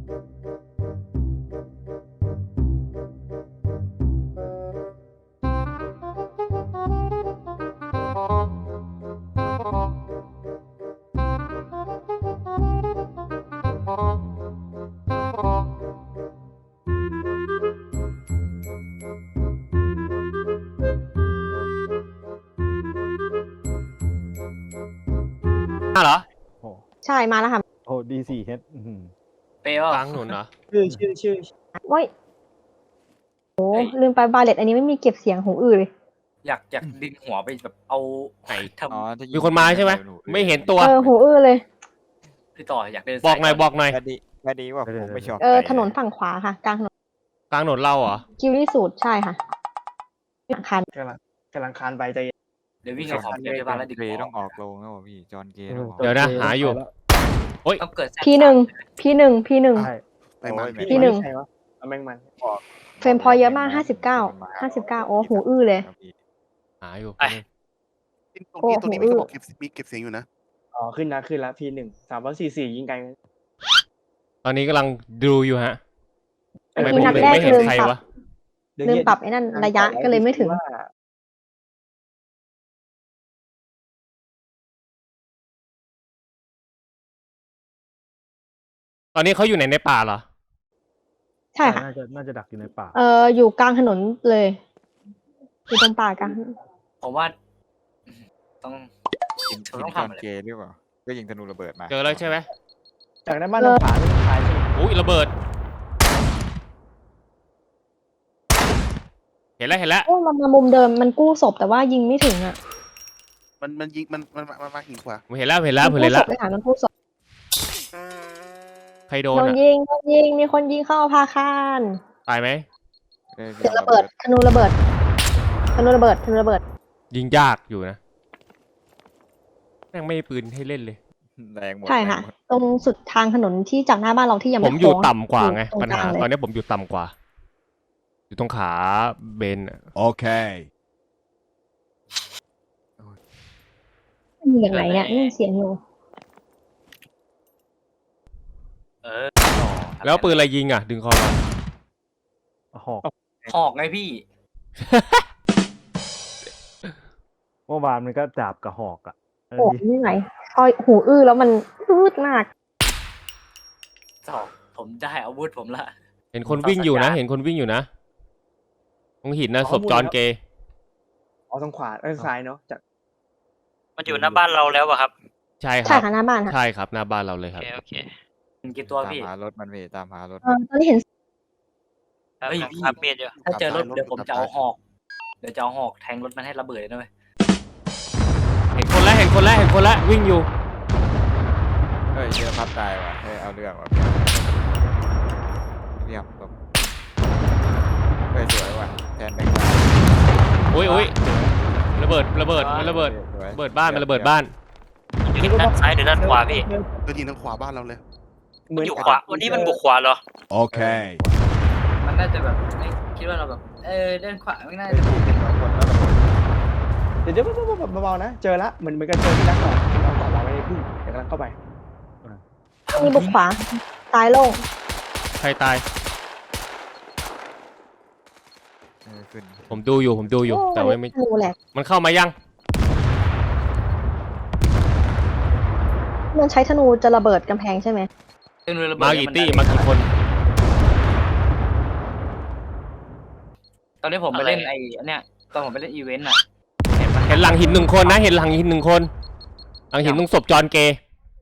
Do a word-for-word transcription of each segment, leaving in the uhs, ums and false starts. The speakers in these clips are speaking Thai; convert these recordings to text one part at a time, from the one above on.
มาเหรอโอ้ใช่มาแล้วค่ะโอ้ดีสี่เฮดเปย์กลางถนนเหรอชื่อชื่อชื่อโอ้ยโอ้ลืมไปบาเลตอันนี้ไม่มีเก็บเสียงหูอื้อเลยอยากอยากดึงหัวไปแบบเอาไหนทอ๋อำมีคนมาใช่ไหมไม่เห็นตัวเออหูอื้อเลยพี่ต่ออยากเป็นบอกหน่อยบอกหน่อยแค่ดีแค่ดีว่าผมไม่ชอบเออถนนฝั่งขวาค่ะกลางถนนกลางถนนเราเหรอกิลลี่สูตรใช่ค่ะหลังคันกำลังกำลังคานไปใจเย็นเดี๋ยววิ่งเอาของเก็บที่บ้านแล้วดึงเกย์หัวต้องออกโรงแล้วพี่จอห์นเกย์ต้องออกเดี๋ยวนะหาอยู่โอ้ยต้องเกิดแซดพีหนึ่งพีหนึ่งพีหนึ่งใช่ไปมาพี่หนึ่งใครวะเอาแมงมันเฟรมพอเยอะมากห้าสิบเก้าห้าสิบเก้าโอ้หูอื้อเลยหาอยู่ตรงนี้ตรงนี้มีเขาบอกเก็บมีเก็บเสียงอยู่นะอ๋อขึ้นนะขึ้นละพีหนึ่งสามร้อยสี่สี่ยิงไกลตอนนี้กำลังดูอยู่ฮะทำไมทีผมนัดถึงแรกไม่เห็นลืมใครปรับวะลืมปรับไอ้นั่นระยะก็เลยไม่ถึงตอนนี้เขาอยู่ไหนในป่าเหรอใช่ค่ะน่าจะน่าจะดักอยู่ในป่าเอออยู่กลางถนนเลยอยู่ตรงป่ากลางผมว่าต้องยิงเธอต้องจอห์ทำนอะไรเกย์หรือเปล่าก็ยิงธนูระเบิดมาเจอแล้วใช่ไหมจากนั้นบ้านทางขวาไม่ขายใช่ไหมอุ้ยระเบิด เห็นแล้วเห็นแล้วโอ้มันมามุมเดิมมันกู้ศพแต่ว่ายิงไม่ถึงอ่ะมันมันยิงมันมันมันมาหินขวาผมเห็นแล้วเห็นแล้วมัผมกู้เห็นศแล้วพไปหามันกู้ศพใครโดโดนนอ่ะยิงโดนยิงมีคนยิงเข้าพาคารตายไหมเอ้ยเดี๋ยวระเบิดธนูระเบิดธนูระเบิดธนูระเบิดยิงยากอยู่นะแม่งไม่มีปืนให้เล่นเลยแรงหมดใช่ค่ะแรงหมดตรงสุดทางถนนที่จากหน้าบ้านเราที่ยังผไม่มอยู่โค้งต่ำกว่าไงตรงปัญกลาหางเลยตอนนี้ผมอยู่ต่ำกว่า อยู่ตรงขาเบนอะ Okay. มีอย่างไรเนี่ยนี่เสียงอยู่เออแล้วปืนอะไรยิงอ่ะ ดึงคอมาหอกหอกไงพี่เมื่อวานมันก็จับกับหอกอ่ะเออโอ้นี่ไหนพอหูอื้อแล้วมันอืดมากสองผมได้อาวุธผมละเห็นคนวิ่งอยู่นะ เห็นคนวิ่งอยู่นะตรงหินนะศพจอห์นเกย์อ๋อทางขวาเออซ้ายเนาะจากมันอยู่หน้าบ้านเราแล้วอะครับใช่คใช่รับค่ะหน้าบ้านค่ะใช่ครับหน้าบ้านเราเลยโอครับเคโอเคกี่ตัวตามพี่หารถมันพี่ตามหารถเออตอนนี้เห็นครับเฮ้ยผมพี่ครับเมียดอยู่ถ้าเจอรถเดี๋ยวผมจะเอาหอก เดี๋ยวจะเอาหอกแทงรถมันให้ระเบิดเลยนะเว้ยเห็นคนแล้วเห็นคนแล้วเห็นคนแล้ววิ่งอยู่เฮ้ยเจอพับตายว่ะเฮ้ยเอาเรื่องว่ะเรียบจบเฮ้ยสวยว่ะแทนแบงค์ตายโอ้ยโอ้ยระเบิดระเบิดมันระเบิดสวยระเบิดบ้านมันระเบิดบ้านอยู่ด้านซ้ายหรือด้านขวาพี่ก็ยิงทางขวาบ้านเราเลยเหมือนอยู่ขวาวันนี้มันบุกขวาเหรอ Okay. มันน่าจะแบบไม่คิดว่าเราแบบ เออเดินขวาไม่น่าจะถูกเป็นสองคนแล้วระเบิดเดี๋ยวเดี๋ยวเบาๆนะ เจอละเหมือนเหมือนกันเจอที่รักก่อนเราก่อนเราไม่ได้พึ่งเดี๋ยวกำลังเข้าไปมีบุกขวาซ้ายโล่งใครตายเออขึ้นผมดูอยู่ผมดูอยู่โแต่ว่าไม่ธนูแหลกมันเข้ามายังมันใช้ธนูจะระเบิดกำแพงใช่ไหมมากี่ตี้มากี่คนตอนนี้ผมไปเล่นไอ้อันเนี้ยตอนผมไปเล่นอีเวนต์อ่ะเห็นปะเห็นหลังหินหนึ่งคนนะ เห็นหลังหินหนึ่งคน หลังหินตรงศพจอห์นเกย์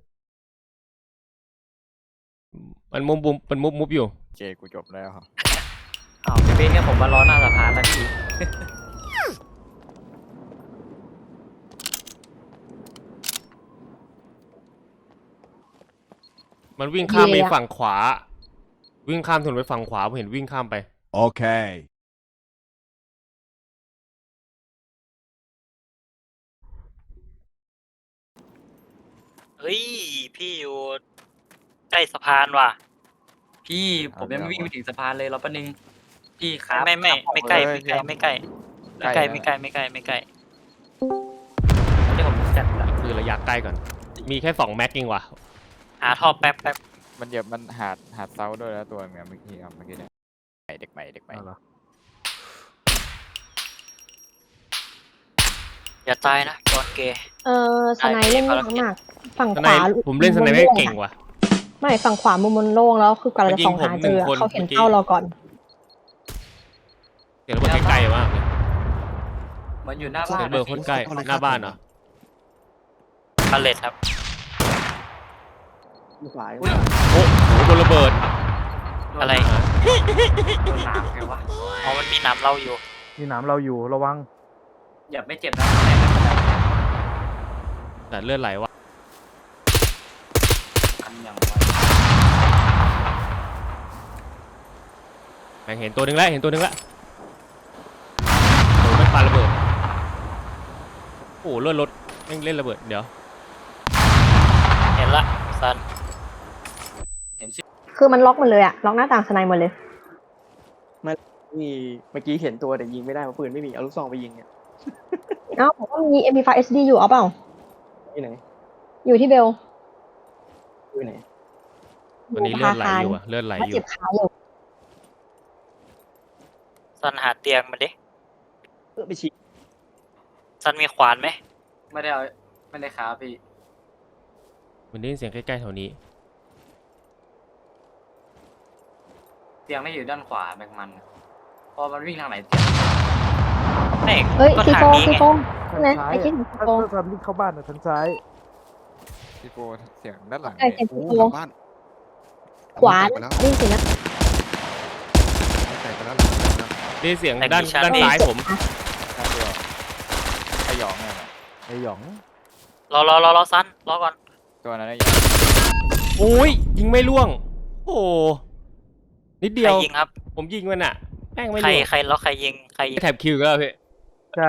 มันมุบมุบมันมุบมุบอยู่เจกูจบแล้วอ้าวพี่เบนเนี่ยผมมารอหน้าสะพานแล้วพี่มันวิ่งข้ามไปฝั่งขวา วิ่งข้ามถนนไปฝั่งขวาผมเห็นวิ่งข้ามไป Okay. เฮ้ยพี่อยู่ใกล้สะพานว่ะพี่ผมยังไม่วิ่งไปถึงสะพานเลยเราแป๊บนึงพี่ครับไม่ไม่ครับไม่ใกล้เออไม่ใกล้ไม่ใกล้ไม่ใกล้ไม่ใกล้ไม่ใกล้ไม่ใกล้ที่ผมจัดละคือระยะใกล้ก่อน มีแค่สองแม็กเองว่ะหาท่อแป๊บแป๊บมันเหยียบมันหาดหาดเซาด้วยแล้วตัวเงี้ยเมื่อกี้ครับเมื่อกี้เนี่ยเด็กใหม่เด็กใหม่เอาเหรออย่าตายนะจอนเกย์เออสไนด์เล่นยากมากฝั่งสขไนวาป์ผมเล่นสไนป์ไม่เก่งว่ะไม่ฝั่งขวามุมมันโล่งแล้วคือกว่าเราจะส่องหาเจอมันยิงผมหนึ่งคนเขาเห็นเมื่อกี้เป้าเราก่อนเสียงระเบิดใกล้ๆมากเลยเหมือนอยู่หน้าเสีบ้ายงนระเบิดโคตรใกล้หน้าบ้านเหรอพาเลตครับลูกหลายอุ้ยโอ้โหโดนระเบิดอะไรโดนหนามไงวะอ๋อมันมีน้ำเราอยู่มีหนามเราอยู่ระวังอย่าไม่เจ็บนะแต่ไม่เป็นไรแต่เลือดไหลว่ะกันอย่างไวแม่งเห็นตัวหนึงแล้วเห็นตัวหนึงแล้วโอ้ไม่ปาระเบิดโอ้เลือดรถแม่งเล่นระเบิดเดี๋ยวเห็นละซันเห็นสิคือมันล็อกหมดเลยอะล็อกหน้าต่างสไนด์หมดเลยมีเมื่อกี้เห็นตัวแต่ยิงไม่ได้เพราะปืนไม่มีเอาลูกซองไปยิงเนี่ยเอ้าผมก็มี เอ็ม พี ไฟว์ เอส ดี อยู่เอาเปล่าที่ไหนอยู่ที่เบลที่ไหนวันนี้เลือดไหลอยู่อะเลือดไหลว่าอยู่เจ็บขาอยู่ซันหาเตียงมาดิเพื่อไปฉีกซันมีขวานไหมไม่ได้เอาไม่ได้ขาพี่มันได้ยินเสียงใกล้ๆแถวนี้เตียงไม่อยู่ด้านขวาแบงมันพอมันวิ่งทางไหนไม่เฮ้ยก็ซีทางโฟนี้ซีไงโฟทางนะซ้ายไอ้ที่อะซีถ้าโฟถ้าซันวิ่งเข้าบ้านอะทางซ้ายพี่โปเสียงด้านหลังใช่เนี่ยเสียงโอ้ซีหโฟลังบ้านขวาแตกไปแล้ววิ่งสินะแตกไปแล้วหลังแตกไปแล้วได้ยินเสียงด้านด้านซ้ายผมด้านเดียวไอหยองเนี่ยนะไอหยองรอรอรอรอซันรอก่อนตัวนั้นไอหยองโอ้ยยิงไม่ล่วง โอ้โหนิดใคเดีรยวยิงครับผมยิงมันอะแม่งไม่ใครล่วงใครแล้วใครยิงใครยิงแถบคิวอีก็แล้วพี่ใช่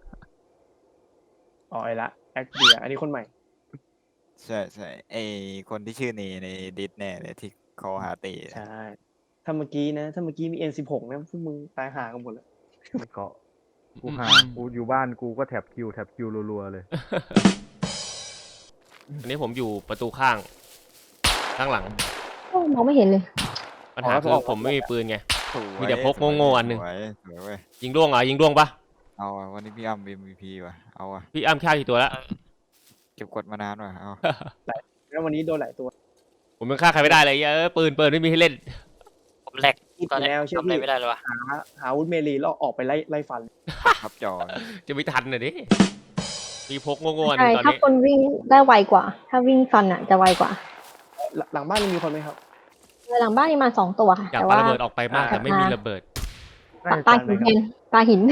อ๋อไอ้ละแอคเดียอันนี้คนใหม่ใช่ใช่ไอคนที่ชื่อเนในดิสแน่เลยที่เขาหาตีใช่ ถ้าเมื่อกี้นะ ถ้าเมื่อกี้มี เอ็น สิบหก นะพวกมึงตายห่ากันหมดแล้วไม่เกาะกูหากูอยู่บ้านกูก็แท็บคิวแท็บคิวรัวๆเลยอันนี้ผมอยู่ประตูข้าง ข้างหลังโอ้มองไม่เห็นเลยปัญหาคือผมไม่มีปืนไงสวยมีแต่พกโง่ๆอันหนึ่งสวยสวยเว้ยยิงล่วงเหรอยิงล่วงปะเอาอะวันนี้พี่อ้ำ เอ็ม วี พี ว่ะเอาอะพี่อ้ำฆ่ากี่ตัวแล้วเก็บกดมานานว่ะเอาแล้ววันนี้โดนหลายตัวผมยังฆ่าใครไม่ได้เลยเออปืนปืนไม่มีให้เล่นผมแหลกอีกตอนนี้แล้วเชื่อทำอะไรพี่ไม่ได้เลยวะหาหาอาวุธเมลีแล้วออกไปไล่ไล่ฟันครับจอจะไม่ทันน่ะดิมีพกโง่ๆอันหใช่นึงตอนถ้านี้คนวิ่งได้ไวกว่า ถ้าวิ่งฟันอะจะไวกว่าหลังหลังบ้านยังมีคนไหมครับหลังบ้านมีมาสองตัวค่ะอยากแต่ปาว่าระเบิดออกไปมากแต่ไม่มีระเบิดปาปาหินแทนปาหิน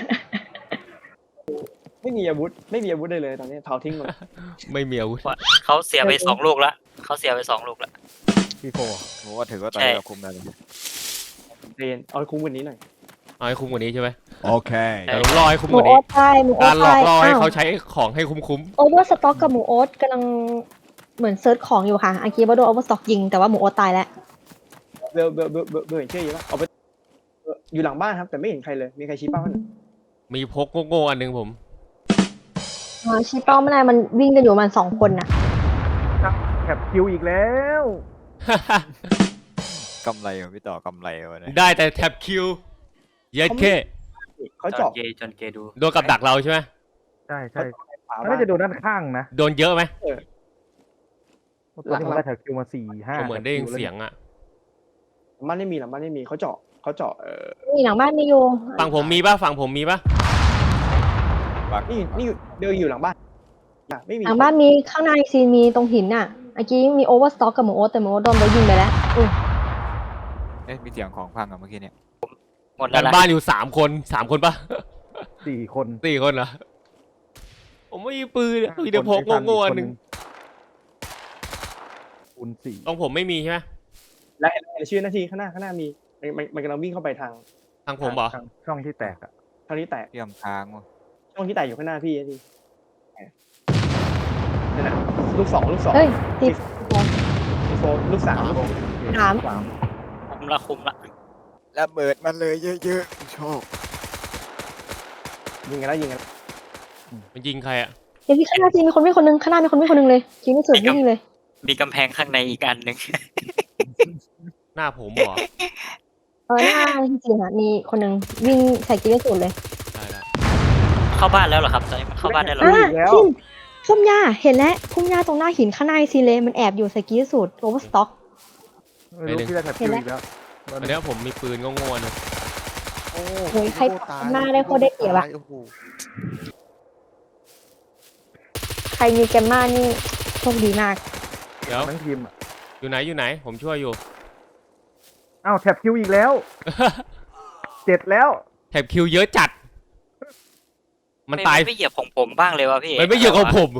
ไม่มีอาวุธ ไม่มีอาวุธเลยเลยตอนนี้เผาทิ้งหมดไม่มีอาวุธเขาเสียไปสองลูกละเขาเสียไปสองลูกละพี่โฟผมว่าถือว่าตอนใช่นี้เราคุมได้เลยเรนเอาคุ้มกวันนี้หน่อยเอาให้คุ้มกว่านี้ใช่ไหมโอเคแต่ผมรอให้คุ้มหมูกว่าโอ๊นี้ตตายหมูโอ๊กาตรหลอตาก ยล่อให้อ้าวเขาใช้ของให้คุ้มโอเวอร์สต็อกกับหมูโอ๊ตกำลังเหมือนเซิร์ชของอยู่ค่ะอากีว่าโดนโอเวอร์สต็อกยิงแต่ว่าหมูโอ๊ตตายแล้วเบลเบลเบลเบลเบลเห็นชื่ออยู่ปะเอาไปเอ่ออยู่หลังบ้านครับ แต่ไม่เห็นใครเลย มีใครชี้เป้าให้หน่อยๆมีพกโง่ๆอันหนึงผมอ๋อชีเป้าไม่ได้มันวิ่งกันอยู่ประมันสองคนน่ะแท็บคิวอีกแล้วกำไรว่ะพี่ต่อกำไรว่ะเนี่ยได้แต่แท็บคิวเย็ดเคเขาจอเจาะนเกย์จอนเกย์ดูโดนกับดักเราใช่ไหมใช่ใช่ขวามันบ้าน่าน จะโดนด้านข้างนะโดนเยอะไหมตอนนี้ผมได้แท็บคิวมาสี่ห้าผมเหมือนได้ยินเสียงอะหลังบ้านไม่มีหลังบ้านไม่มีเขาเจาะเขาเจาะเออนี่หลังบ้านมีอยู่ฝั่งผมมีป่ะฝั่งผมมีป่ะบักนี่นี่อยู่เดินอยู่หลังบ้านอ่ะไม่มีหลังบ้านมีข้างในซีนมีตรงหินน่ะเมื่อกี้มีโอเวอร์สต็อกกับหมูโอ๊ตแต่หมูโอ๊ตโดนไปยิงไปแล้วอุ้ยเอ๊ะมีเสียงของพังอะเมื่อกี้เนี่ยหมดแล้กัวน นะบ้านอยู่สามคนสามคนป่ะสี่คนสี่คนเหรอผมไม่มีปืนอะมีแต่พกโง่ๆอันหนึงคูณสี่ต้องผมไม่มีใช่ไหมและและชื่อหน้าที่ข้างหน้าข้างหน้ามีมันมันมันกำลังวิ่งเข้าไปทางทางผมเหรอทางช่องที่แตกอะทางนี้แตกพี่อ้ำค้างว่ะช่องที่แตกอยู่ข้างหน้าพี่นี่นั่นน่ะลูกสองลูกสองเฮ้ยติดลูกโฟลูกสามลูกถามสามคุมละคุมละระเบิดมันเลยเยอะๆชอบยิงกันแล้วยิงกันมันยิงใครอะเดี๋ยวที่ข้างหน้าซีนมีคนวิ่งคนนึงข้างหน้ามีคนวิ่งคนนึงเลยคิดไม่สุดวิ่งเลยมีกำแพงข้างในอีกอันหนึ่งหน้าผมเหรอเออหน้าจริงๆอะมีคนหนึ่งวิ่งใส่กีฬาสูตรเลยได้ได้เข้าบ้านแล้วเหรอครับตอนนี้มันเข้าบ้านได้แล้วอ่าแล้วพุ่มพุ่มหญ้าเห็นแล้วพุ่มหญ้าตรงหน้าหินข้างในซีเลมันแอบอยู่ใส่กีฬาสูตรโอเวอร์สต็อกไม่รู้พี่จะแท็บคิวอีกแล้วตอนเนี้ยผมมีปืนโง่ๆนะโอ้โอ้ยใครโอ้ตยหน้าได้โคตรได้เปรียบอะโอ้โหใครมีแกมมานี่โชคดีมากเดี๋ยวทั้งทีมอ่ะอยู่ไหนอยู่ไหน ผมช่วยอยู่อ้าวแท็บคิวอีกแล้ว เจ็ดแล้วแถบคิวเยอะจัด มันตายไม่เหยียบของผมบ้างเลยวะพี่มันไม่เยอะของผม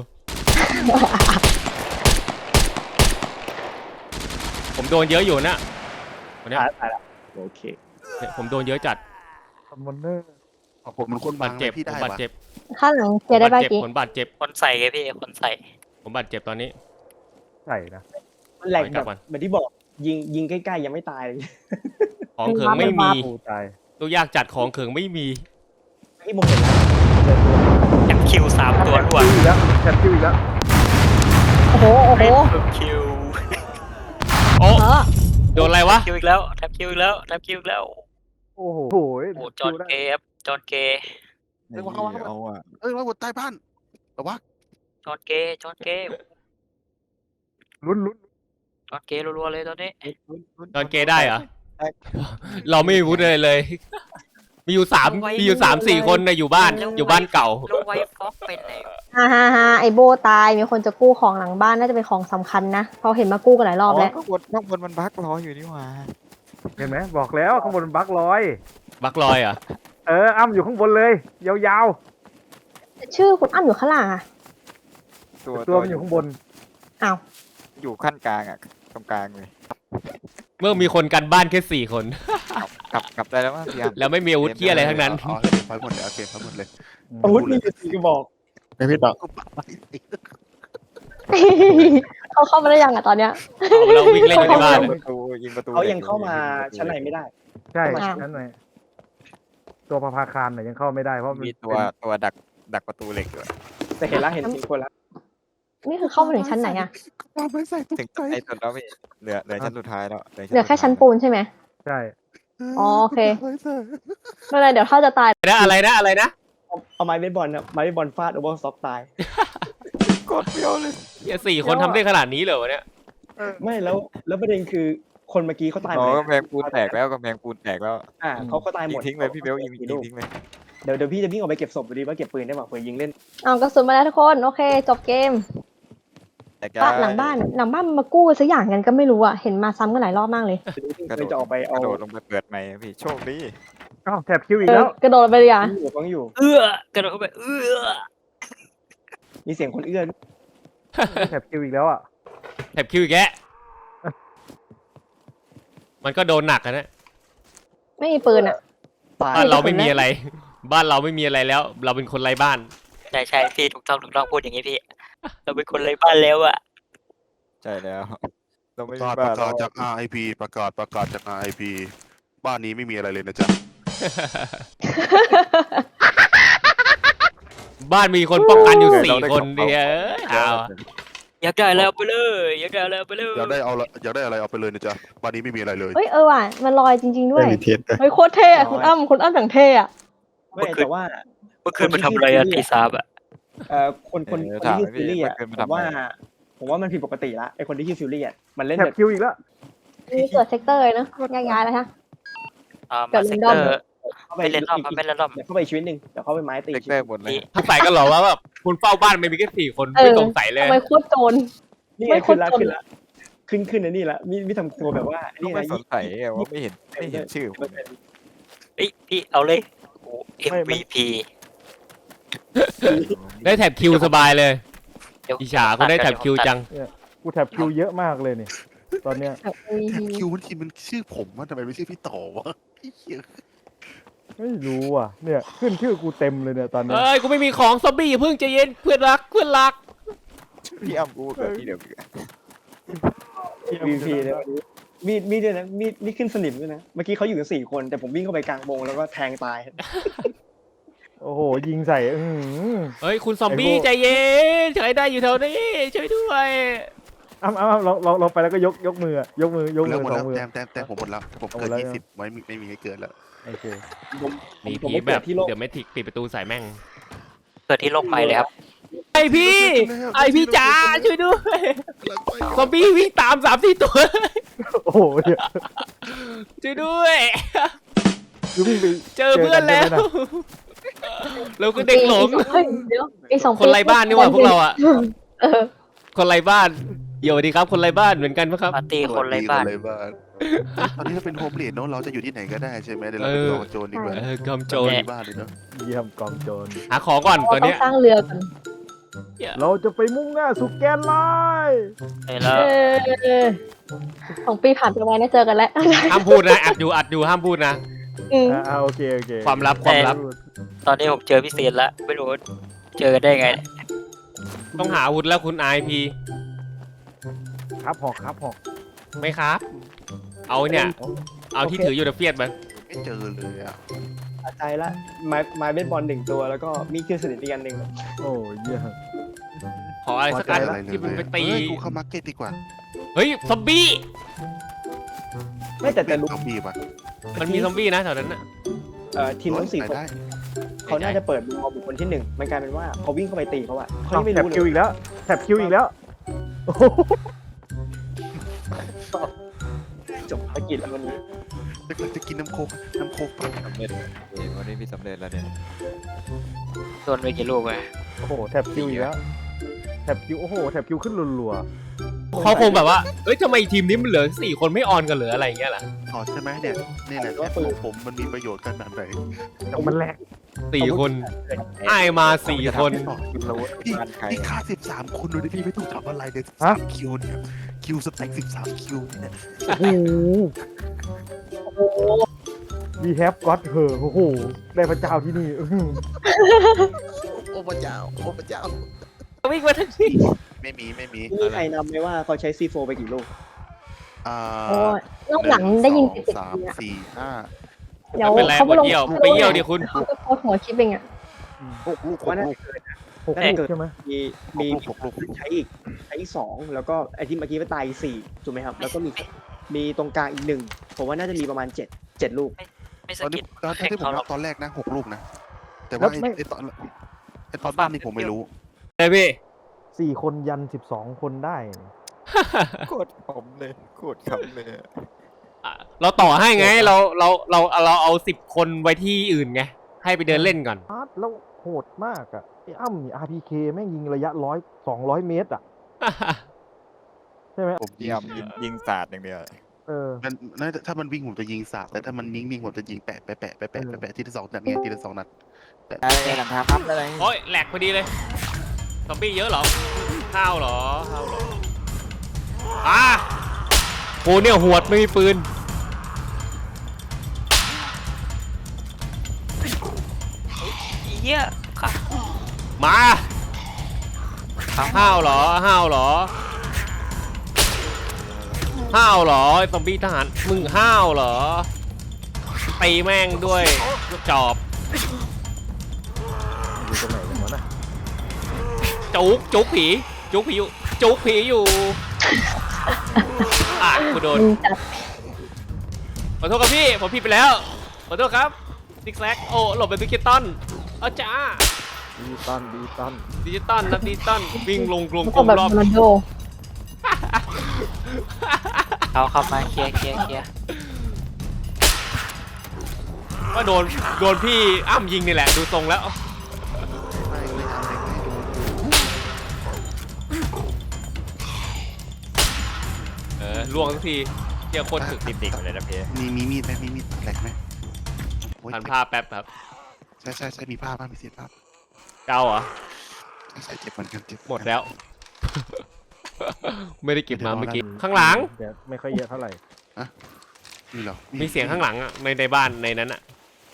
ผมโดนเยอะอยู่นะวันเนี้ยตายตายละโอเคเนี่ยผมโดนเยอะจัดคอมมอนเนอร์เอาผมมันคนบาบาดงเจ็บพี่ผมได้บาดปะเจ็บข้างหลังเคผลียร์ได้มบาป่ะดเจ็บกี้ผมบาดเจ็บคนใส่ไงพี่คนใส่ผมบาดเจ็บตอนนี้ใส่นะมันแหลกไปกแบลับบก่อนเหมือนที่บอกยิงยิงใกล้ๆยังไม่ตายเลยของเขิงไม่มีกูตายตัวยากจัดของเขิงไม่มีที่มองเห็นแล้วเจอตัวแถบคิวสามตัวรวดคิวอีกแล้วแท็บคิวอีกแล้วโอ้โหโอ้โหแถบคิวโอ้เออโดนอะไรวะคิวอีกแล้วแถบคิวอีกแล้วแถบคิวอีกแล้วโอ้โหโอ้จอนเกย์ครับจอนเกย์ไอ้เหี้ยเอาอ่ะเอ้ยว่าบนใต้บ้านแต่ว่าจอนเกย์จอนเกย์ลุ้นลุ้นจอนเกย์รัวๆเลยตอนนี้ตอนเกย์ได้เหรอ เราไม่มีวุฒิเลยเลย มีอยู่สามมีอยู่สามสี่คนนะอยู่บ้านอยู่บ้านเก่าแล้วไวท์ฟ็อกเป็นไหนฮ่าฮ่าฮ่าไอโบตายมีคนจะกู้ของหลังบ้านน่าจะเป็นของสำคัญนะเพราะเห็นมากู้กันหลายรอบแล้วข้างบนข้างบนมันบั๊กรออยู่นี่หว่าเห็นไหมบอกแล้วข้างบนมันบั๊กลอยบักลอยเหรอ่ะเอออ้ำอยู่ข้างบนเลย ยาวชื่อคุณอ้ำอยู่ข้างหลังอะตัวๆ ตัวมันอยู่ข้างบนอ้าวอยู่ขั้นกลางอ่ะตรงกลางเลยเมื่อมีคนกันบ้านแค่สี่คนกลับกลับได้แล้วมั้งพี่ยามแล้วไม่มีอาวุธเที่ยอะไรทั้งนั้นอ๋อเก็บไฟหมดเลยเอาเก็บไฟหมดเลยอาวุธมีอยู่สี่กระบอกไม่พี่ต่อเขาเข้ามาได้ยังอะตอนเนี้ยเอาเราวิ่งเล่นอยู่ในบ้านยิงประตูยิงประตูเขายังเข้ามาชั้นในไม่ได้ใช่อ้าวนั่นหน่อยตัวพระพาคารน่ะยังเข้าไม่ได้เพราะมันมีตัวตัวดักดักประตูเหล็กอยู่แต่เห็นแล้วเห็นสี่คนแล้วนี่คือเข้ามาถึงชั้นไหนอะตามไปใส่ตุ๊กถึงใจไอ้ตัวแล้วพี่เหลือเหลือชั้นสุดท้ายแล้วเหลือแค่ชั้นปูนใช่ไหมใช่อ๋อโอเค ไม่เป็นไรเดี๋ยวถ้าจะตายนะอะไรนะอะไรนะเอาเอาไม้เบสบอลนะไม้เบสบอลฟาดโอเวอร์สต็อกตายกดเดียวเลยเหี้ยสี่คนทำได้ขนาดนี้เหรอวะเนี่ยไม่แล้วแล้วประเด็นคือคนเมื่อกี้เขาตายหมอ๋อดกำแพงปูนแตกแล้วกำแพงปูนแตกแล้วอ่าเขาเขาตายหยิมงดทิ้งเลยพี่เบลยิงยิงทิ้งเลยเดี๋ยวเดี๋ยวพี่จะวิ่งออกไปเก็บศพดูดีว่าเก็บปืนได้ป่ะเผื่อยิงเล่นเอากระสุนมาแล้วทุกคนโอเคจบเกมแต่ก็บ้านหลังบ้านหลังบ้านมันมากู้สักอย่างกันก็ไม่รู้อะเห็นมาซ้ำกันหลายรอบมากเลยกระเลโดยดจะออกไปกเอาระโดดลงไปเปิดใหม่พี่โชคดีอ้าวแท็บคิวอีกเออแล้วกระโดดไปเลยอ่ะอยู่ฟังอยู่เอื้อกระโดดเข้าไปเอื้อมีเสียงคนเอื้อนแท็บคิวอีกแล้วอ่ะแถบคิวอีกแกะมันก็โดนหนักอะนะไม่มีปืนอ่ะตายบ้านเราไม่มีอะไร บ้านเราไม่มีอะไรแล้ว เราเป็นคนไร้บ้านใช่ใช่พี่ถูกต้องถูกต้องพูดอย่างนี้พี่ เราเป็นคนไร้บ้านแล้วอะใช่แล้วเราไม่ประมีกาศปบ้านระกาศจาก อาร์ ไอ พี ประกาศประกาศจาก อาร์ ไอ พี บ้านนี้ไม่มีอะไรเลยนะจ๊ะบ้านมีคนป้องกันอยู่สี่คนเดียวเอ้ยเอาอยากได้อะไรเอาไปเลยอยากได้อะไรเอาไปเลยอยากได้เอาละอยากได้อะไรเอาไปเลยนะจ๊ะบ้านนี้ไม่มีอะไรเลยเฮ้ยเออว่ะมันลอยจริง ๆด้วยเฮ้ยโคตรเท่อะคุณอ้ำคุณอ้ำอย่างเท่อะไม่แต่ว่าเมื่อคืนไปทำอะไรอะตีสามอะเอ่อคนคนคนที่ชื่อฟิลลี่อ่ะผมว่าผมว่ามันผิดปกติละไอคนที่ชื่อฟิลลี่อ่ะมันเล่นแท็แบบ บคิวอีกแล้วนี่เกิดเซกเตอร์เลยเนอะย้ายๆแล้วฮะอ่าเกิมาดเซก Random เตอร์เข้าไปไม่เล่นรอบครับไม่เล่นรอบเดี๋ยวเข้าไปชีวิตหนึ่งเดี๋ยวเข้าไปไม้ตีเด็กชีได้วิตหมดเลยถ้าใส่กันเหรอว่าแบบคุณเฝ้าบ้านไม่มีแค่สี่คนไม่สงสัยเลยทำไมโคตรโจรนี่ไม่ไงคขึ้นนละจนขึ้นละขึ้นขึ้นอันนี้ละมีมีทำครัวแบบว่าก็นี่ไม่นะสนใจอะว่าไม่เห็นไม่เห็นชื่อผมเอ้ยพี่เอาเลยโอ้ เอ็ม วี พีได้แถบคิวสบายเลยเดี๋ยวอิจฉาคนได้แถบคิวจังกูแท็บคิวเยอะมากเลยนี่ตอนเนี้ยแบบแท็บคิวมันทีมันชื่อผมว่าทำไมไม่ชื่อพี่ต่อวะไอ้เหี้ยไม่รู้อ่ะเนี่ยขึ้นชื่อกูเต็มเลยเนี่ยตอนเนี้ยเอ้ยกูไม่มีของซอมบี้อย่าเพิ่งใจเย็นเพื่อนรักเพื่อนรักพี่อ้ำกูเกิดที่เดียวกันวีพีเนี่ยมีดมีดด้วยนะมีดมีดขึ้นสนิมด้วยนะเมื่อกี้เขาอยู่กันสี่คนแต่ผมวิ่งเข้าไปกลางวงแล้วก็แทงตายโอ้โหยิงใส่อื้อหือเฮ้ยคุณซอมบี้ไอ้พวกใจเย็นใครได้อยู่แถวนี้ช่วยด้วยอ้ำอ้ำอ้ำลองลองลองไปแล้วก็ยกยกมืออะยกมือยกมืแล้วอหมดสอแล้งวมือแต้มแต้มแต้มผมหมดแล้วผมเอาหมเกิดนแล้วยี่สิบไม่มีไม่มีให้เกินแล้วโอเคผมหนีผมผีไม่แบเกิดบที่โลกเดี๋ยวไม่ถิกปิดประตูใส่แม่งเกิดที่โลกใหม่เลยครับไอพี่ ไอพี่จ๋าช่วยด้วยซอมบี้วิ่งตามสามสี่ตัวโอ้โหเดี๋ยวช่วยด้วยคือวิ่งไปเจอเพื่อนแล้วจกัใช่ไหมะเราคือเด็กหลงเฮ้ยเดี๋ยวไอสองคนไร้บ้านนี่หว่าพวกเราอะเออคนไร้บ้านเดี๋ยวดีครับคนไร้บ้านเหมือนกันปะครับปาร์ตี้คนไร้บ้านคนไร้บ้านตอนนี้เราเป็นโฮมเลดเนาะเราจะอยู่ที่ไหนก็ได้ใช่ไหมเดี๋ยวเราเอไปอต่อโจรดีกว่าเออกำโจรเรามีบ้านเลยเนาะเยี่ยมกองโจรหาของก่อนตเราอนต้อเนี้งยสร้างเรือก่อนเราจะไปมุ่งหน้าสู่แกนไลน์เออแล้วเออสองปีผ่านไปไวนะเจอกันแล้วห้ามพูดนะอัดอยู่อัดอยู่ห้ามพูดนะอืมอ่าอ่าโอเคโอเคความลับความลับตอนนี้ผมเจอพี่เซนแล้วไม่รู้เจอกันได้ไงเนี่ยต้องหาอาวุธแล้วคุณไอพีครับหอกครับหอกไม่ครับ เอาเนี่ย เอาที่ถืออยู่ในเฟียดไปไม่เจอเลยอ่ะตัดใจละไม้ไม้เบสบอลหนึ่งตัวแล้วก็มีเครื่องสนิทอีกอันหนึ่งโอ้เยี่ยมขออะไรสักอันอะไรเลยที่มันไปตีเฮ้ยกูเข้ามาร์เก็ตดีกว่าเฮ้ยซอมบี้ไม่แต่แต่เป็นรู้ซอมบี้ป่ะมันมีซอมบี้นะแถวนั้นน่ะเอ่อทีมทั้งสี่ไปคนได้เขาน่าจะเปิดมุมมองบุคคลที่หนึ่งมันกลายเป็นว่าเขาวิ่งเข้าไปตีเขาอะเขาอ้าวยังไม่แถบรู้คิวเลยอีกแล้วแถบคิวอีกแล้วโอ้โหจบภารกิจแล้ววันนี้เราจะกินน้ำโคกน้ำโคกป่ะสำเร็จวันนี้พี่สำเร็จแล้วเนี่ยโดนไปกี่ลูกเลยโอ้โหแถบคิวอีกแล้วแถบคิวโอ้โหแถบคิวขึ้นรัวเขาคงแบบว่าเอ้ยทำไมทีมนี้มันเหลือสี่คนไม่ออนกันเหลืออะไรอย่างเงี้ยล่ะอ๋อใช่ไหมเนี่ยนี่แหละแอปของผมมันมีประโยชน์ขนาดไหนๆแต่มันแหลกสี่คนไอายมาสี่คนเราพี่บ้านใครพี่ฆ่าสิบสามคนโดยที่พี่ไม่ต้องทำอะไรเลยสิบสามคิวเนี่ยคิวสแต็กสิบสามคิวเนี่ยโอ้โหมีแฮปก็อตเหอะโอ้โหได้พระเจ้าที่นี่อื้อหือโอ้พระเจ้าโอ้พระเจ้าวิ่งมาทั้งที่ไม่มีไม่มีนี่ใครนำไหมว่าเขาใช้ซีโฟไปกี่ลูกอ่าโอ้ยรอบหลังได้ยินหเสียนึ่งงสองสามเนี่ยสี่ห้าเดี๋ยวเป็นไรเขาปไปวดลงเยี่ยวไปเยี่ยวดิคุณเขาก็โพสต์หัวคลิปเองอะหกลูกหว่าก น่าลูจะกเกินนะหกลูกใช่ไหมมีมีมีหกลูกใช้อีกใช้อีกสองแล้วก็ไอที่เมื่อกี้ไปตายอีกสี่ถูกไหมครับ แล้วก็มีมีตรงกลางอีกหนึ่งผมว่าน่าจะมีประมาณเจ็ดเจ็ดลูกไม่สตอนกินี้ดตอนแข่งที่ผมเขาหรนัอบ กตอนแรกนะหกลูกนะ แต่ว่าไอ้ไอ้ตอนไอ้ตอนบ้านนี่ผมไม่รู้เลยพี่สี่คนยันสิบสองคนได้โคตรขำเลยโคตรขำเลยอ่ะเราต่อให้ไงเราเราเราเราเอาสิบคนไว้ที่อื่นไงให้ไปเดินเล่นก่อนอาร์ตแล้วโหดมากอ่ะไอ้อ้ำนี่ อาร์ พี เค แม่งยิงระยะร้อยสองร้อยเมตรอ่ะใช่ไหมผมยิเยี่ยมงยิงยิงศาสตร์อย่างเดียวเออมันน่าจะถ้ามันวิ่งผมจะยิงสาบแต่ถ้ามันนิ่งๆผมจะยิงแปะแปะแปะแปะแปะแปะแปะทีละสองนัดไงทีละสองนัดแปะไอ้หลังคาพับอะไรโอ้ยแหลกพอดีเลยซอมบี้เยอะเหรอข้าวเหรอข้าวเหรออ่ะกูเนี่ยหวดไม่มีปืนเหี้ยค่ะมาห้าวเหรอห้าวเหรอห้าวเหรอไอ้ซอมบี้ทหารมึงห้าวเหรอตีแม่งด้วยจอบอยู่ตรงไหนกันวะน่ะจุกจุกผีจุกผีอยู่จุกผีอยู่อ่ะกูโดนมึงจัดขอโทษครับพี่ผมผิดไปแล้วขอโทษครับซิกแซกโอ้หลบเป็นดิจิตอลเอาจ้าดีตันดีตันดิจิตอลนะดิจิตอลวิ่งลงกลงมันกลก็มแบบรอบโรนัลโดเอาเข้ามาเคลียร์เคลียร์เคลียร์ว่าโดนโดนพี่อ้ำยิงนี่แหละดูทรงแล้วไม่ไม่ทำอะไรไม่ดูเออล่วงสักทีเกี่ยวคนถึกติดดิ่งเลยนะพี่มีมีมีดไหมมีมีดแหลกไหมโอ้ยหันผ้าแป๊บครับใช่ใช่ใช่มีผ้าบ้างมีเศษผ้าเกาเหรอใช่ใช่เจ็บเหมือนกันเจ็บหมดแล้ว ไม่ได้เก็บมาเมื่อกี้ข้างหลังแต่ไม่ค่อยเยอะเท่าไหร่มีเหรอมีเสียงข้างหลังอ่ะในในบ้านในนั้นอ่ะ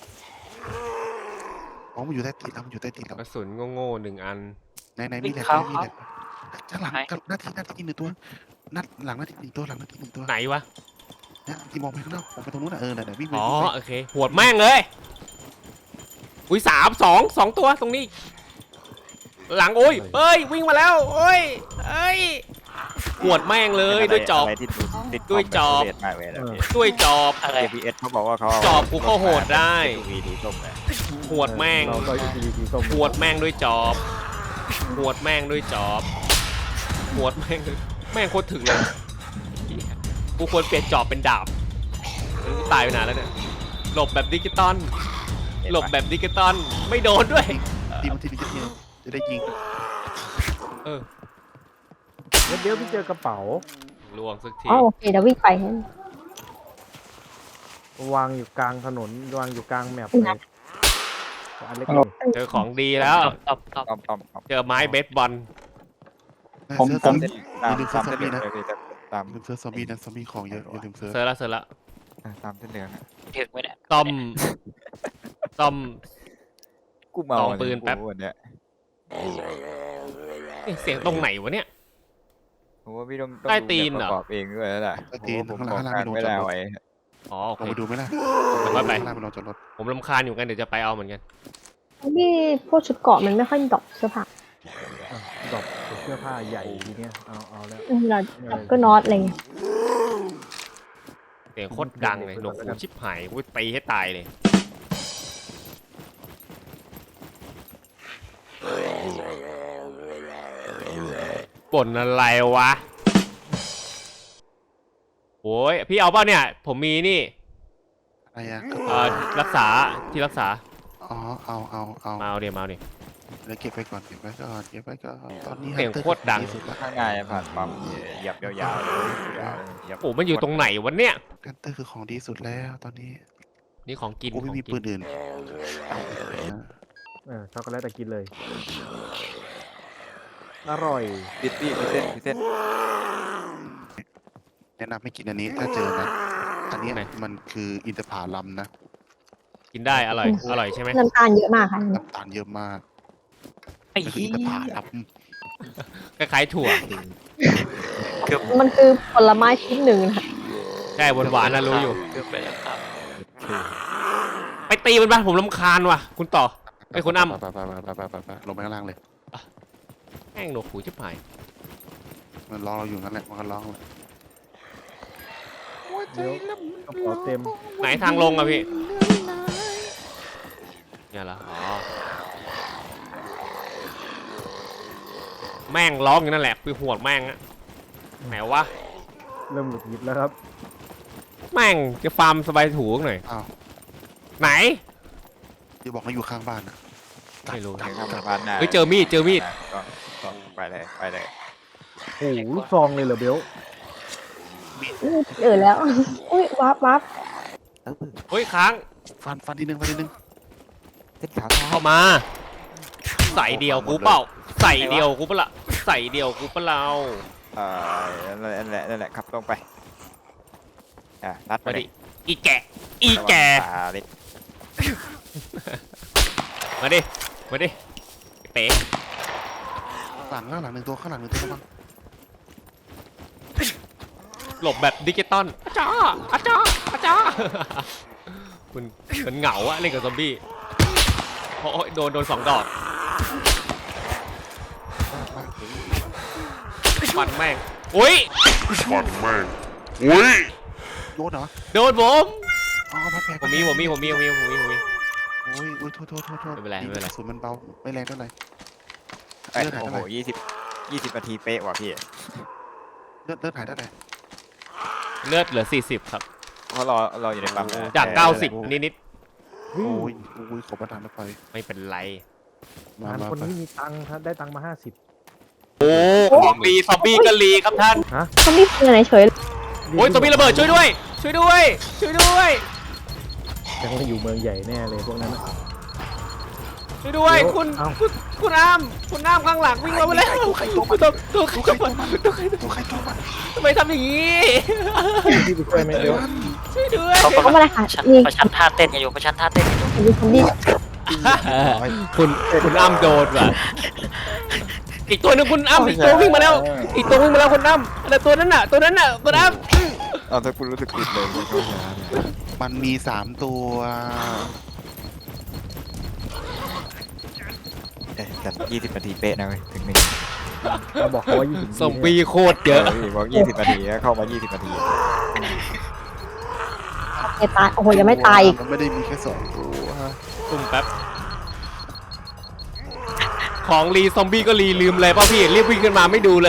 อ๋อมันอยู่ใต้ตีนเรามันอยู่ใต้ตีนเรากระสุนโง่ๆหนึ่งอันในในมีแหลกมีแหลกข้างหลังหน้าที่หน้าที่หนึ่งตัวนัดหลังหน้าที่หนึ่งตัวหลังหน้าที่หนึ่งตัวไหนวะนะที่มองไปข้างนอกมองไปตรงนู้นนะเออน่ะวิ่งไปอ๋อวิ่งไปโอเคหวดแม่งเลยอุ้ยสามสองสองตัวตรงนี้ หลังโอ้ยเอ้ยวิ่งมาแล้วโอ้ยเอ้ยหวดแม่งเลยด้วยจอบะไรที่ติดด้วยจอบแบบมากเลยนะพี่ด้วยจอบอะไรเอพีเอสเขาบอกว่าเขาเาจอบกูก็โหดได้วีดีส้มเลยหวดแม่งเราก็อีดีดีส้มหวดแม่งด้วยจอบหวดแม่งด้วยจอบหวดแม่งด้วยแม่งโคตรถึงเลยกูควรเปลี่ยนจอบเป็นดาบกูตายไปนานแล้วเนี่ยหลบแบบดิจิตอลหลบแบบดิจิตอลไม่โดนด้วยทีมทีนี้จะเนี่ยจะได้ยิงเออเดี๋ยวเดี๋ยวพี่เจอกระเป๋าลวงสักทีอ๋อโอเคเดี๋ยววิ่งไปวางอยู่กลางถนนวางอยู่กลางแมปอืมเลยอันเล็กเจอของดีแล้วตอบตอบต้อมต้อมต้อมเจอไม้เบสบอลผมผมตามอย่าลืมตามเซิร์ฟเส้นเหลืองนะเลยพี่ตามลืมเซิร์ฟซอมบี้นะซอมบี้ของเยอะอย่าลืมเซิร์ฟเซอร์ละเซอร์ละตามเส้นเหลืองอะถึงไหมเนี่ยต้อมต้อมกูเมาลองปืนแป๊บวันเนี้ยเอ๊ะเสียงตรงไหนวะเนี่ยผมว่าพี่ต้องต้องใต้ดูตีนแบบเหรอประกอบเองด้วยแล้วล่ะใต้ตีนผมข้างหลัขงอข้างหลังการมีโดนไม่จอได้ดรถไว้อ๋อโอลองเคไปดูไหมล่ะเดี๋ยวค่อยไปข้างหลังมีโดนจอดรถผมรำคาญอยู่กันเดี๋ยวจะไปเอาเหมือนกันที่พวกชุดเกราะมันไม่ค่อยดรอปเสื้อผ้าอ่ะดอกเสื้อผ้าใหญ่ทีเนี้ยเอาเอาแล้วอืมเราก็น็อตอะไรเงี้ยเสียงโคตรดังเลยหนวกหูชิบหายกูตีให้ตายเลยบ่นอะไรวะโอ้ยพี่เอาเปล่าเนี่ย ผมมีนี่อะไรอ่ะเอ่อรักษาที่รักษาอ๋อเอาเอาเอามาเอาเดี๋ยวมาเอาดิแล้วเก็บไปก่อนเก็บไปก่อนเก็บไปก่อนตอนนี้เสียงฮันตอโคตรดังที่สุดละข้างในผ่านปั๊มเหยียบยาวๆเลยยาวเลยเหยียบโอ้มันอยู่ตรงไหนวะเนี่ยฮันเตอร์คือของดีสุดแล้วตอนนี้นี่ของกินกูไม่มีของกิปืนอื่นเออช็อกโกแลตแต่กินเลย อร่อยปิดพี่พิเศษพิเศษแนะนำให้กินอันนี้ถ้าเจอนะอันนี้มันคืออินทผลัมนะกินได้อร่อยอร่อยใช่ไหมน้ำตาลเยอะมากค่ะน้ำตาลเยอะมากไอ้มันคือเหี้อินทผยลัมคล้ายๆถั่วมันคือผลไม้ชนิดหนึ่งนะคะใช่หวานๆนะรู้อยู่เกือบไปแล้วครับไปตีมันบ้างผมรำคาญว่ะ คุณต่อ ไอ้คุณอ้ำไปไปไปไปไปไปลงไปข้างล่างเลยแม่งหนวกหูชิบหายมันรอเราอยู่นั่นแหละมันก็ร้องเลยเดี๋ยวกระเป๋าเต็มไหนทางลงอะพี่เนี่ยเหรออ๋อแม่งร้องอยู่นั่นแหละคือหัวดแม่งอะไหนวะเริ่มหลุดหยิบแล้วครับแม่งจะฟาร์มสบายถูกหน่อยอ้าวไหนที่บอกว่าอยู่ข้างบ้านอ่ะไม่รู้ถึงทำผ่านหน้าเฮ้ยเจอมีดเจอมีดก็ก็ไปเลยไปเลยโอ้โหลูกซองเลยเหรอเบลอืมเออแล้ว อุ้ยวับวับเออเฮ้ยค้างฟันฟันทีนึงฟันทีนึงเส้นขาวเท้าเข้ามา ใส่เดียวกูเปล่าใส่เดียวกูเปล่าใส่เดียวกูเปล่าเอ่อนั่นแหละนั่นแหละนั่นแหละขับตรงไปอ่ะนัดไปมาเลดิยอีแกะอีแกะระวังตาเล็กมาดิมาดิเป๋หลังข้างหลังหนึ่งตัวข้างหลังหนึ่งตัวระวังหลบแบบดิจิตอลอาจ้าอาจ้าอาจ้าคุณเหมือนเหงาอะเล่นกับซอมบี้โอ้ยโดนโดนสองดอกฟันแม่งอุ้ยโดนเหรอโดนผมอ๋อพัดแผลผมมีผมมีผมมีผมมีผมมีผมมีโอ้ยโอ้ยโทษโทษโทษโทษไม่เป็นไรไม่เป็นไรกะสุนมันเบาไม่แรงเท่าไหร่เอ้ยเลือดหายโอ้เท่าโหไหร่ยี่สิบยี่สิบนาทีเป๊ะว่ะพี่เลือดเลือดหายเท่าไหร่เลือดเหลือสี่สิบครับเพราะรอรออยู่ในปั๊มนะจากแต่เก้าสิบนิดนิดโอ้ยโอ้ยขอประทานอภัยๆไม่เป็นไรมางานมาคนไปนี้มีตังค์ครับได้ตังค์มาห้าสิบโอ้ซอมบี้ซอมบี้กะลีครับท่านเขาไม่เป็นอะไรเฉยโอ้ยซอมบี้ระเบิดช่วยด้วย ช่วยด้วย ช่วยด้วยยังไม่อยู่เมืองใหญ่แน่เลยพวกนั้นนะช่วยด้วยเดี๋ยวคุณเอ้าคุณคุณอ้ามคุณอ้ามข้างหลังวิ่งมาแล้วตัวใครตัวมันตัวตัวใครตัวมันตัวใครตัวใครตัวมันทำไมทำอย่างนี้พี่ไปช่วยไหมเบลช่วยด้วยเขาเขากำลังมาเลยค่ะชันนี่ประชันท่าเต้นกันอยู่ประชันท่าเต้นกันอยู่มีซอมบี้คุณคุณอ้ำโดนว่ะอีกตัวหนึงคุณอ้ำอีกตัววิ่งมาแล้ว อีกตัววิ่งมาแล้วคุณอ้ำแต่ตัวนั้นน่ะ ตัวนั้นน่ะคุณอ้ำเอาถ้าคุณรู้สึกผิดเลยไม่เข้าใจเนี่ยมันมีสามตัวเอ๊ะแต่ยี่สิบนาทีเป๊ะนะเว้ยถึงหนึ่งเราบอกเขาว่ายี่สิบซอมบี้โคตรเยอะเออพี่บอกยี่สิบนาทีแล้วเข้ามายี่สิบนาทีโอเคตายโอ้โหยังไม่ตายอีกมันไม่ได้มีแค่สองตัวตุ่มแป๊บ ของรีซอมบี้ก็รีลืมเลยป่ะพี่ รีบวิ่งขึ้นมาไม่ดูเลย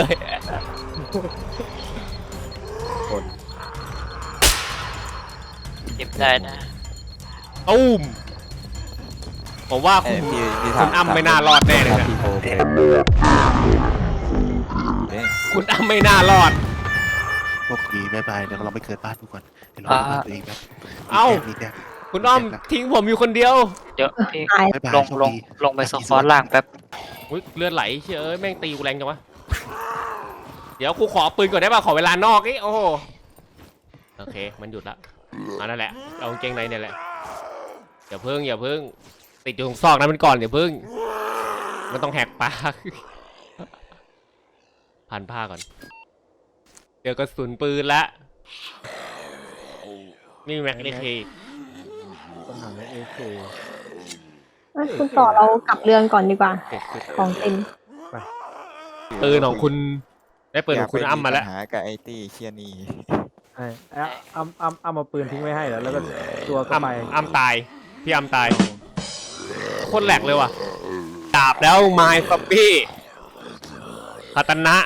เก็บได้นะตุ้ม ผมว่าเอ้คุยณพี่พี่คุณทำอ้ำไม่น่ารอดแน่เลยทำนะพี่โฟเป็นเอ๊ะคุณอ้ำไม่น่ารอดโอเคบายบายเดี๋ยวเราไปเกิดบ้านดูก่อนเดี๋ยวเราไปบ้านตัวเองแป๊บเอ้ามีแต้มคุณอ้อมทิ้งผมอยู่คนเดียวเดี๋ยวพี่ตายมีแต้มลบ๊ายงบายลงโชคดีลงไปสควอตล่างแป๊บอุ๊ยเลือดไหลเชื่ยเอ้ยแม่งตีกูแรงจังวะ เดี๋ยวกูขอปืนก่อนได้ป่ะขอเวลานอกนี่โอ้โหโอเคมันหยุดละอันนั่นแหละเอากางเกงในเนี่ยแหละอย่าเพิ่งอย่าเพิ่งติดอยู่ตรงซอกนั้นมันก่อนอย่าเพิ่งมันต้องแหกปาก พันผ้าก่อนเดี๋ยวกระสุนปืนละนี่แม็กเอเคปัญหาเอเคเอ้ยคุณต่อเรากลับเรือนก่อนดีกว่า ของเต็มปืนของคุณได้ปืนของคุณอ้ำมาแล้วยกไปปัญหากับไอตี้เชียนี่ใช่แอะอ้ำอ้ำอ้ำเอาปืนทิ้งไว้ให้แล้วแล้วก็ตัวก็อ้ำไปอ้ำตายพี่อ้ำตายโคตรแหลกเลยว่ะดาบแล้วไม้ซอมบี้คาตานะ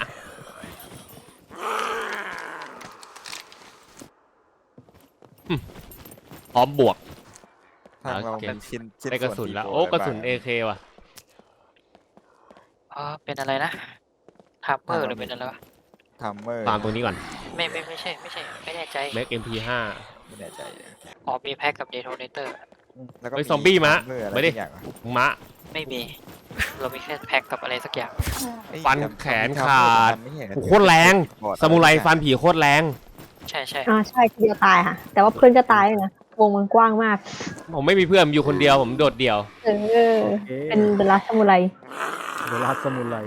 อืมพร้อมบวกทางเราโอเคเป็นชิ้นชิ้นได้กระสุนส่วแล้วที่โอ้กระสุนบ้างเอเคว่ะอ๋อเป็นอะไรนะทับเบอร์หรือเป็นอะไรวะทัมเมอร์ตามตรงนี้ก่อนไม่ไม่ไม่ใช่ไม่ใช่ไม่แน่ใจเมกเอ็มพีห้าไม่แน่ใจอ๋อมีแพ็กกับเดโทเนเตอร์แล้วก็เฮ้ยซอมบี้มาทัเอร์อะไรไม่ได้สักอย่างอะมะไม่มี เรามีแค่แพ็กกับอะไรสักอย่างเอ้ยฟันจำแขนจำขาดไม่เห็นโอ้โหโคตรแรงบอดซามูไรฟันผีโคตรแรงใช่ใช่อ่าใช่ทีเดียวตายค่ะ แต่ว่าเพื่อนจะตายเลยนะวงมันกว้างมากผมไม่มีเพื่อนผมอยู่คนเดียวผมโดดเดี่ยวเออโอเคเป็นเดลัสซามูไรเดลัสสมุไร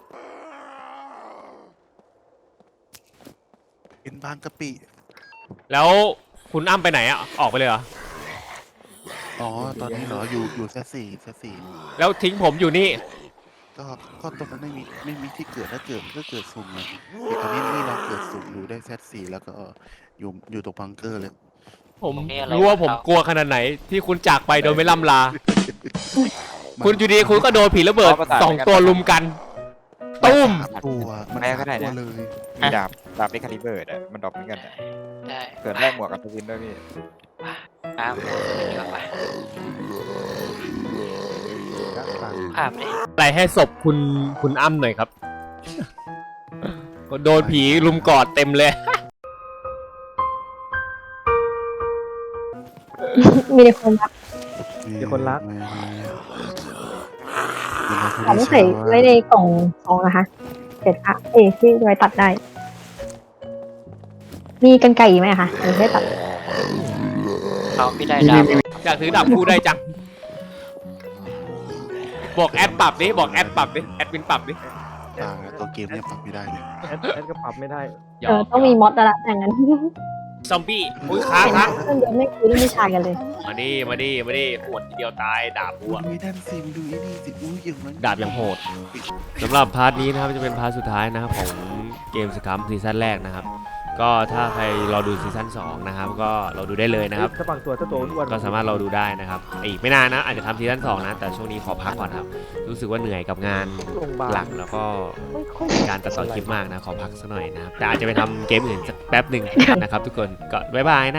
เป็นบางกะปิแล้วคุณอ้ำไปไหนอ่ะออกไปเลยเหรออ๋อตอนนี้เหรออยู่อยู่แซสี่แซสี่แล้วทิ้งผมอยู่นี่ก็ก็ตรงนั้นไม่มีไม่มีที่เกิดถ้าเกิดถ้าเกิดสุ่มไงเดี๋ยวตอนนี้นี่เราเกิดสุ่มอยู่ได้แซสี่แล้วก็อยู่อยู่ตรงบังเกอร์เลยผมรู้ว่าผมกลัวขนาดไหนที่คุณจากไปโดยไม่ล่ำลา คุณอยู่ดีคุณก็โดนผีระเบิดสองตัวลุมกัน ตุ้มสามตัวมันแม่ก็ได้ตัวนะเลยมีดาบดาบเอ็กคาลิเบอร์อะมันดรอปเหมือนกันอะได้เกิดแรกหมวกกับทวินด้วยพี่อ้าวเดี๋ยวไปยักษ์ต่างภาพเลยอะไรให้ศพคุณคุณอ้ำหน่อยครับ ก็โดนผีลุมกอดเต็มเลยมีแต่คนรักมีคนรักไม่ไม่ของใส่ไว้ในกล่องซองนะคะเสร็จค่ะเอ้ยที่ไว้ตัดได้ มีกันไก่ไหมอะคะหรือให้ตัดเราไม่ได้ดาวอยากถือดาบคู่ได้จัง บอกแอดปรับดิบอกแอดปรับดิแอดวินปรับดิอ่าตัวเกมเนี่ยปรับไม่ได้เลยแอดแอดก็ปรับไม่ได้ยเออต้องมีมอสแล้วละอย่างนั้นซอมบี้อุ้ยค้างค้างเพื่อนเดียวไม่คุยเรื่องผู้ชายกันเลยมาดิมาดิมาดิปวดทีเดียวตายดาบบัวดูไอ้นั่นสิมึงดูไอ้นี่สิอุ้ยอย่างนั้นดาบยังโหดสำหรับพาร์ทนี้นะครับจะเป็นพาร์ทสุดท้ายนะครับของเกมสคัมซีซั่นแรกนะครับ ก็ถ้าใครรอดูซีซั่นสองนะครับก็เราดูได้เลยนะครับถ้าบางตัวถ้าตัวอ้วนก็สามารถเราดูได้นะครับอีกไม่นานนะอาจจะทำซีซั่นสองนะแต่ช่วงนี้ขอพักก่อนครับ รู้สึกว่าเหนื่อยกับงานโรงพยาบาลหลักแล้วก็ไม่ค่อยการตัดต่อคลิปมากนะขอพักสักหน่อยนะครับแต่อาจจะไปทำเกมอื่นสักแป๊บหนึ่งนะครับทุกคนก็บ๊ายบายนะ